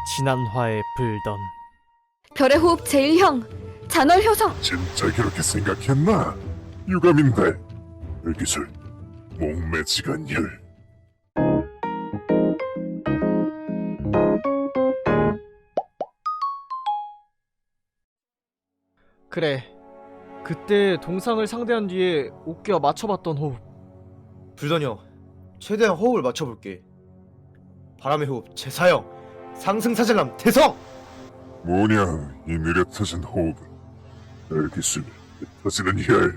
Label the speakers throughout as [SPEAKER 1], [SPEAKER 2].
[SPEAKER 1] 지난화에 불던
[SPEAKER 2] 별의 호흡 제1형 잔월 효성.
[SPEAKER 3] 진짜 그렇게 생각했나? 유감인데 불기술 목매지간열.
[SPEAKER 1] 그래, 그때 동상을 상대한 뒤에 옥규와 맞춰봤던 호흡.
[SPEAKER 4] 불던 형, 최대한 호흡을 맞춰볼게. 바람의 호흡 제4형 상승사절남 대성!
[SPEAKER 3] 뭐냐 이 느려터진 호흡은. 불기술 터지는 혈.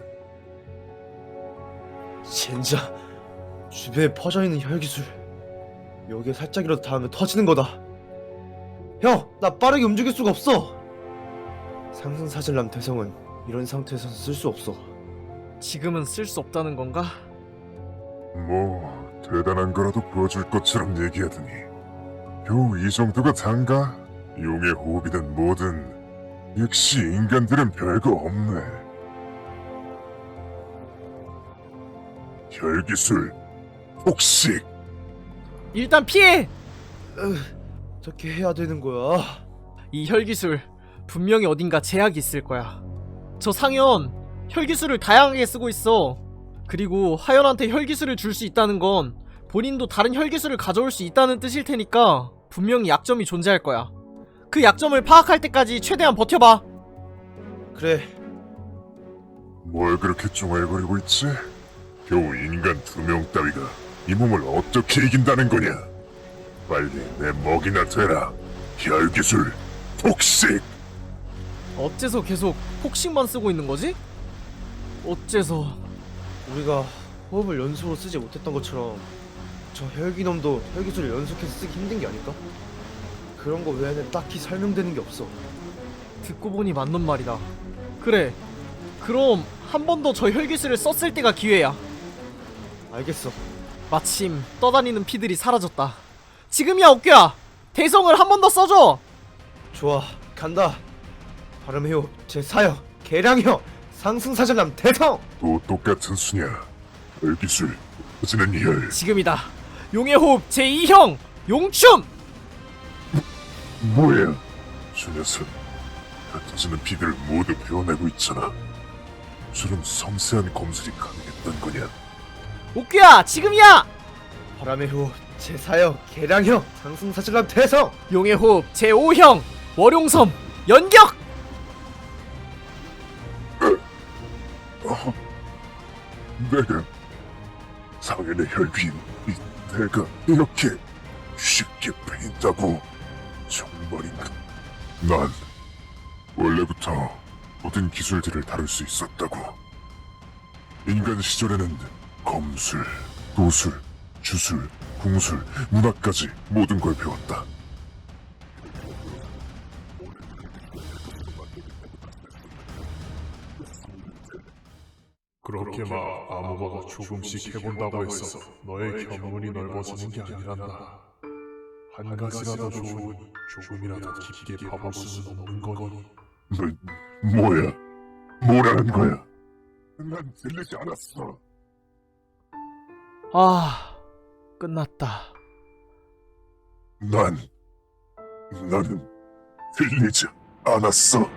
[SPEAKER 4] 젠자, 주변에 퍼져있는 혈기술. 여기에 살짝이라도 닿으면 터지는 거다. 형, 나 빠르게 움직일 수가 없어. 상승사절남 대성은 이런 상태에서는 쓸 수 없어.
[SPEAKER 1] 지금은 쓸 수 없다는 건가?
[SPEAKER 3] 뭐 대단한 거라도 보여줄 것처럼 얘기하더니 겨우 이 정도가 단가? 용의 호흡이든 뭐든 역시 인간들은 별거 없네. 혈기술 폭식.
[SPEAKER 1] 일단 피해!
[SPEAKER 4] 어떻게 해야 되는 거야?
[SPEAKER 1] 이 혈기술 분명히 어딘가 제약이 있을 거야. 저 상현 혈기술을 다양하게 쓰고 있어. 그리고 하연한테 혈기술을 줄 수 있다는 건 본인도 다른 혈기술을 가져올 수 있다는 뜻일 테니까 분명히 약점이 존재할 거야. 그 약점을 파악할 때까지 최대한 버텨봐.
[SPEAKER 4] 그래,
[SPEAKER 3] 뭘 그렇게 쫑알거리고 있지? 겨우 인간 2명 따위가 이 몸을 어떻게 이긴다는 거냐? 빨리 내 먹이나 되라. 혈기술 폭식.
[SPEAKER 1] 어째서 계속 폭식만 쓰고 있는 거지? 어째서...
[SPEAKER 4] 우리가 호흡을 연속으로 쓰지 못했던 것처럼 저 혈기놈도 혈기술을 연속해서 쓰기 힘든 게 아닐까? 그런 거 외에는 딱히 설명되는 게 없어.
[SPEAKER 1] 듣고 보니 맞는 말이다. 그래, 그럼 한 번 더 저 혈기술을 썼을 때가 기회야.
[SPEAKER 4] 알겠어.
[SPEAKER 1] 마침 떠다니는 피들이 사라졌다. 지금이야 옥규야! 대성을 한 번 더 써줘!
[SPEAKER 4] 좋아, 간다. 바람의 호흡 제4형 계량형 상승사절남 대성!
[SPEAKER 3] 또 똑같은 수냐? 혈기술 터지는 혈.
[SPEAKER 1] 지금이다. 용의 호흡 제2형 용춤!
[SPEAKER 3] 뭐야? 저 녀석 흩어지는 피들을 모두 베어내고 있잖아. 저런 섬세한 검술이 가능했던 거냐?
[SPEAKER 1] 옥규야 지금이야!
[SPEAKER 4] 바람의 호흡 제4형 계량형 상승사절남 대성!
[SPEAKER 1] 용의 호흡 제5형 월용섬 연격!
[SPEAKER 3] 내가 상현의 혈기인 이 내가 이렇게 쉽게 베인다고 정말인가? 난 원래부터 모든 기술들을 다룰 수 있었다고. 인간 시절에는 검술, 도술, 주술, 궁술, 문학까지 모든 걸 배웠다.
[SPEAKER 5] 그렇게 막 아무거나 조금씩 해본다고 해서 너의 견문이 넓어지는 게 아니란다. 한 가지라도 좋으니 조금이라도 깊게 봐볼 수는 없는 거니.
[SPEAKER 3] 뭐야? 뭐라는 거야? 난 들리지 않았어.
[SPEAKER 1] 아... 끝났다.
[SPEAKER 3] 나는 들리지 않았어.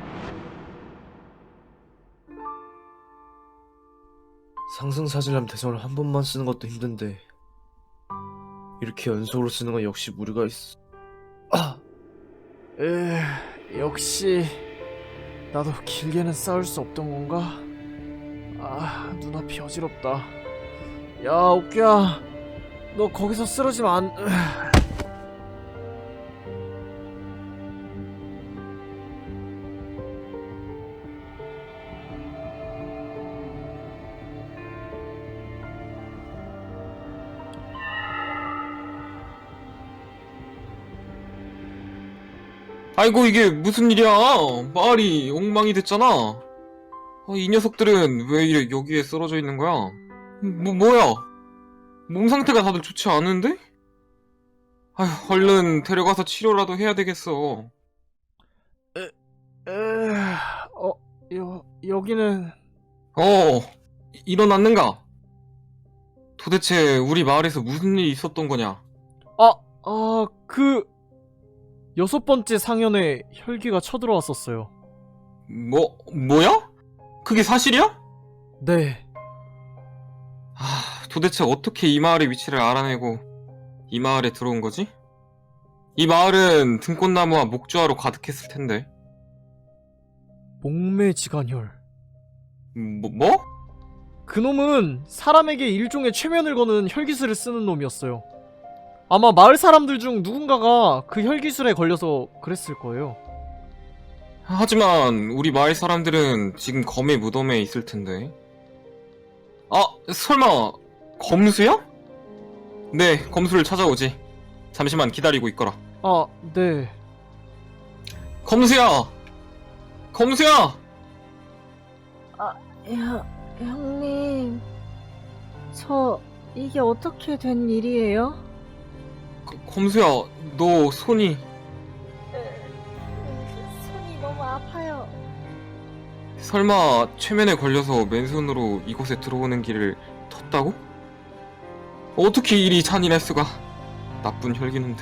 [SPEAKER 4] 상승사절남 대성을 한 번만 쓰는 것도 힘든데 이렇게 연속으로 쓰는 건 역시 무리가 있어.
[SPEAKER 1] 역시 나도 길게는 싸울 수 없던 건가? 아, 눈앞이 어지럽다. 야, 옥규야, 너 거기서 쓰러지면 안...
[SPEAKER 6] 아이고 이게 무슨 일이야? 마을이 엉망이 됐잖아. 이 녀석들은 왜 이래 여기에 쓰러져 있는 거야? 뭐야? 몸 상태가 다들 좋지 않은데? 아휴, 얼른 데려가서 치료라도 해야 되겠어.
[SPEAKER 1] 여기는...
[SPEAKER 6] 일어났는가? 도대체 우리 마을에서 무슨 일이 있었던 거냐?
[SPEAKER 1] 6번째 상현에 혈기가 쳐들어왔었어요.
[SPEAKER 6] 뭐야? 그게 사실이야?
[SPEAKER 1] 네.
[SPEAKER 6] 도대체 어떻게 이 마을의 위치를 알아내고 이 마을에 들어온 거지? 이 마을은 등꽃나무와 목주화로 가득했을 텐데.
[SPEAKER 1] 목매지간혈.
[SPEAKER 6] 뭐?
[SPEAKER 1] 그놈은 사람에게 일종의 최면을 거는 혈기술을 쓰는 놈이었어요. 아마 마을 사람들 중 누군가가 그 혈기술에 걸려서 그랬을 거예요.
[SPEAKER 6] 하지만 우리 마을 사람들은 지금 검의 무덤에 있을 텐데. 설마 검수야? 네, 검수를 찾아오지. 잠시만 기다리고 있거라.
[SPEAKER 1] 아, 네.
[SPEAKER 6] 검수야! 검수야!
[SPEAKER 2] 형님, 저 이게 어떻게 된 일이에요?
[SPEAKER 6] 검수야, 너 손이...
[SPEAKER 2] 손이 너무 아파요.
[SPEAKER 6] 설마 최면에 걸려서 맨손으로 이곳에 들어오는 길을 텄다고? 어떻게 일이 잔인할 수가. 나쁜 혈기놈들.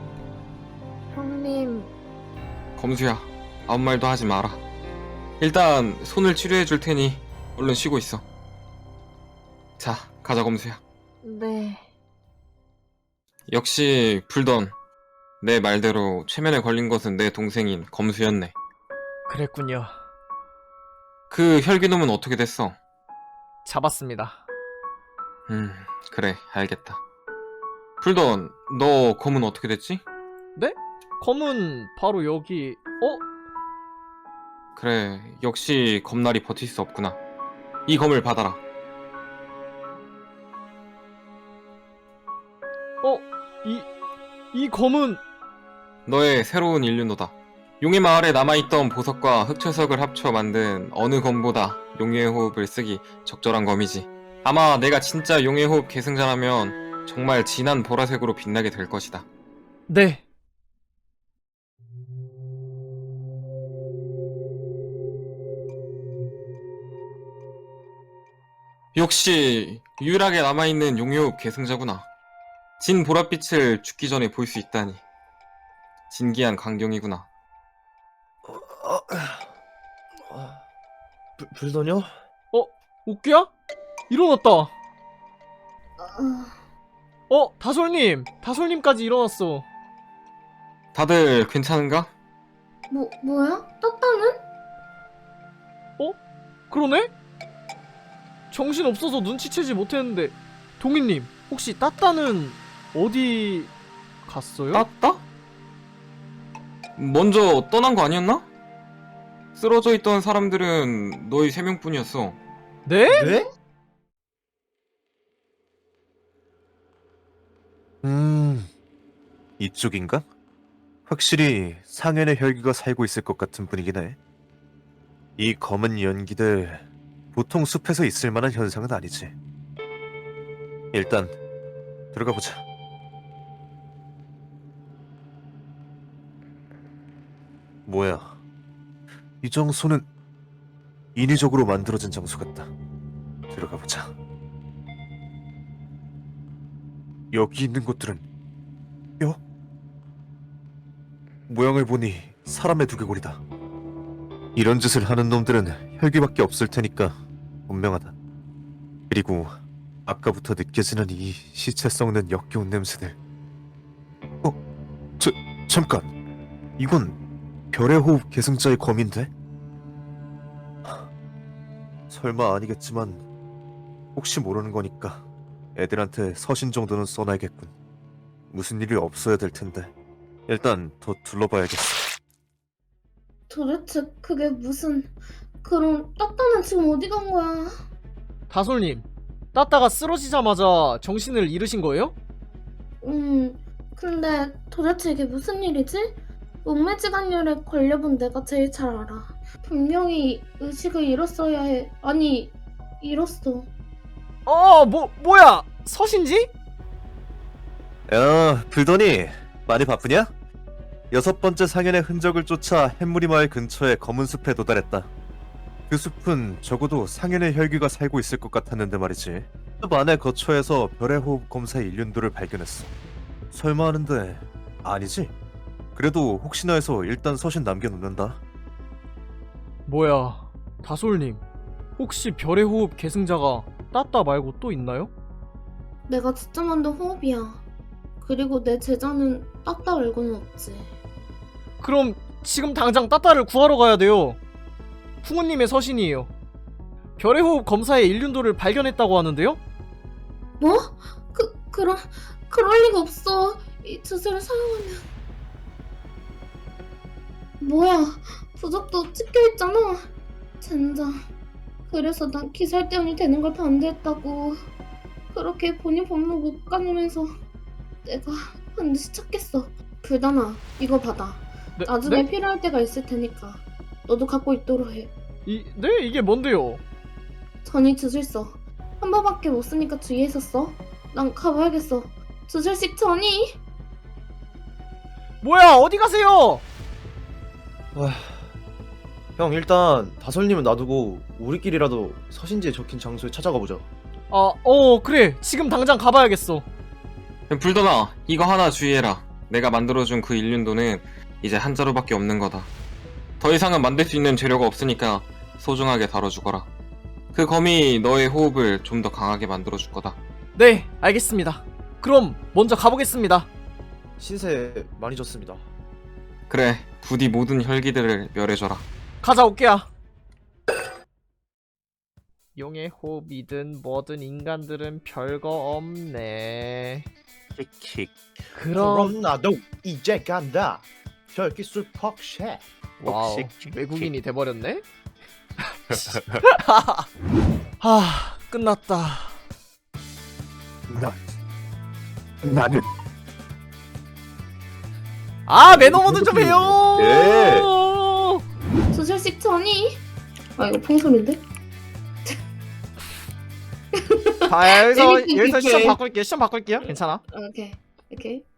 [SPEAKER 2] 형님,
[SPEAKER 6] 검수야, 아무 말도 하지 마라. 일단 손을 치료해 줄 테니 얼른 쉬고 있어. 자, 가자 검수야.
[SPEAKER 2] 네.
[SPEAKER 6] 역시 불던. 내 말대로 최면에 걸린 것은 내 동생인 검수였네.
[SPEAKER 1] 그랬군요.
[SPEAKER 6] 그 혈기놈은 어떻게 됐어?
[SPEAKER 1] 잡았습니다.
[SPEAKER 6] 그래, 알겠다. 불던, 너 검은 어떻게 됐지?
[SPEAKER 1] 네? 검은 바로 여기.
[SPEAKER 6] 그래, 역시 검날이 버틸 수 없구나. 이 검을 받아라.
[SPEAKER 1] 이 검은
[SPEAKER 6] 너의 새로운 인륜노다. 용의 마을에 남아있던 보석과 흑철석을 합쳐 만든 어느 검보다 용의 호흡을 쓰기 적절한 검이지. 아마 내가 진짜 용의 호흡 계승자라면 정말 진한 보라색으로 빛나게 될 것이다.
[SPEAKER 1] 네.
[SPEAKER 6] 역시 유일하게 남아있는 용의 호흡 계승자구나. 진 보랏빛을 죽기 전에 볼 수 있다니. 진기한 광경이구나.
[SPEAKER 4] 불더녀?
[SPEAKER 1] 옥규야? 일어났다. 다솔님까지 일어났어.
[SPEAKER 6] 다들 괜찮은가?
[SPEAKER 2] 뭐야? 따따는?
[SPEAKER 1] 그러네? 정신 없어서 눈치채지 못했는데. 동희님, 혹시 따따는 어디 갔어요?
[SPEAKER 6] 따따? 먼저 떠난 거 아니었나? 쓰러져 있던 사람들은 너희 3명뿐이었어.
[SPEAKER 1] 네?
[SPEAKER 4] 네?
[SPEAKER 7] 이쪽인가? 확실히 상현의 혈기가 살고 있을 것 같은 분위기네. 이 검은 연기들 보통 숲에서 있을 만한 현상은 아니지. 일단 들어가 보자. 뭐야? 이 장소는 인위적으로 만들어진 장소 같다. 들어가 보자. 여기 있는 것들은 뼈? 모양을 보니 사람의 두개골이다. 이런 짓을 하는 놈들은 혈기밖에 없을 테니까 분명하다. 그리고 아까부터 느껴지는 이 시체 썩는 역겨운 냄새들. 잠깐. 이건 별의 호흡 계승자의 검인데? 설마 아니겠지만 혹시 모르는 거니까 애들한테 서신 정도는 써놔야겠군. 무슨 일이 없어야 될 텐데. 일단 더 둘러봐야겠어.
[SPEAKER 8] 도대체 그게 무슨... 그럼 따따는 지금 어디 간 거야?
[SPEAKER 1] 다솔님, 따따가 쓰러지자마자 정신을 잃으신 거예요?
[SPEAKER 8] 근데 도대체 이게 무슨 일이지? 목매지간열에 걸려본 내가 제일 잘 알아. 분명히 의식을 잃었어야 해. 아니, 잃었어.
[SPEAKER 1] 뭐야? 서신지?
[SPEAKER 7] 야, 불더니 많이 바쁘냐? 6번째 상현의 흔적을 쫓아 햇무리 마을 근처의 검은 숲에 도달했다. 그 숲은 적어도 상현의 혈귀가 살고 있을 것 같았는데 말이지. 숲 안의 거처에서 별의 호흡 검사의 일륜도를 발견했어. 설마 하는데 아니지? 그래도 혹시나 해서 일단 서신 남겨놓는다.
[SPEAKER 1] 뭐야, 다솔님. 혹시 별의 호흡 계승자가 따따 말고 또 있나요?
[SPEAKER 8] 내가 진짜 만든 호흡이야. 그리고 내 제자는 따따 말고는 없지.
[SPEAKER 1] 그럼 지금 당장 따따를 구하러 가야 돼요. 풍우님의 서신이에요. 별의 호흡 검사의 일륜도를 발견했다고 하는데요?
[SPEAKER 8] 뭐? 그럴 리가 없어. 이 주제를 사용하면. 뭐야, 부적도 찍혀있잖아. 젠장. 그래서 난 기살대원이 되는 걸 반대했다고. 그렇게 본인 법문 못 가누면서 내가 반드시 찾겠어. 불단아, 이거 받아.
[SPEAKER 1] 네,
[SPEAKER 8] 나중에
[SPEAKER 1] 네?
[SPEAKER 8] 필요할 때가 있을 테니까 너도 갖고 있도록 해.
[SPEAKER 1] 네? 이게 뭔데요?
[SPEAKER 8] 전이 주술서. 한 번밖에 못 쓰니까 주의해서 써. 난 가봐야겠어. 주술식 전이.
[SPEAKER 1] 뭐야, 어디 가세요?
[SPEAKER 4] 형 일단 다솔님은 놔두고 우리끼리라도 서신지에 적힌 장소에 찾아가 보자.
[SPEAKER 1] 그래. 지금 당장 가봐야겠어.
[SPEAKER 6] 불더나, 이거 하나 주의해라. 내가 만들어준 그 일륜도는 이제 한 자루밖에 없는 거다. 더 이상은 만들 수 있는 재료가 없으니까 소중하게 다뤄주거라. 그 검이 너의 호흡을 좀 더 강하게 만들어줄 거다.
[SPEAKER 1] 네, 알겠습니다. 그럼 먼저 가보겠습니다.
[SPEAKER 4] 신세 많이 졌습니다.
[SPEAKER 6] 그래, 부디 모든 혈기들을 멸해줘라.
[SPEAKER 1] 가자, 오케야. 용의 호흡이든 뭐든 인간들은 별거 없네.
[SPEAKER 7] 킥킥.
[SPEAKER 1] 그럼
[SPEAKER 4] 나도 이제 간다. 혈기술 퍽쉐.
[SPEAKER 1] 와우,
[SPEAKER 7] 혹시
[SPEAKER 1] 외국인이 돼버렸네? 끝났다.
[SPEAKER 7] 나는
[SPEAKER 1] 매너모드 좀 해요!
[SPEAKER 4] 예.
[SPEAKER 8] 주술식 전이. 아, 이거 퐁소리인데?
[SPEAKER 1] 여기서
[SPEAKER 8] 재밌게
[SPEAKER 1] 시험
[SPEAKER 8] 볼게.
[SPEAKER 1] 바꿀게요. 시험 바꿀게요. 괜찮아.
[SPEAKER 8] 오케이.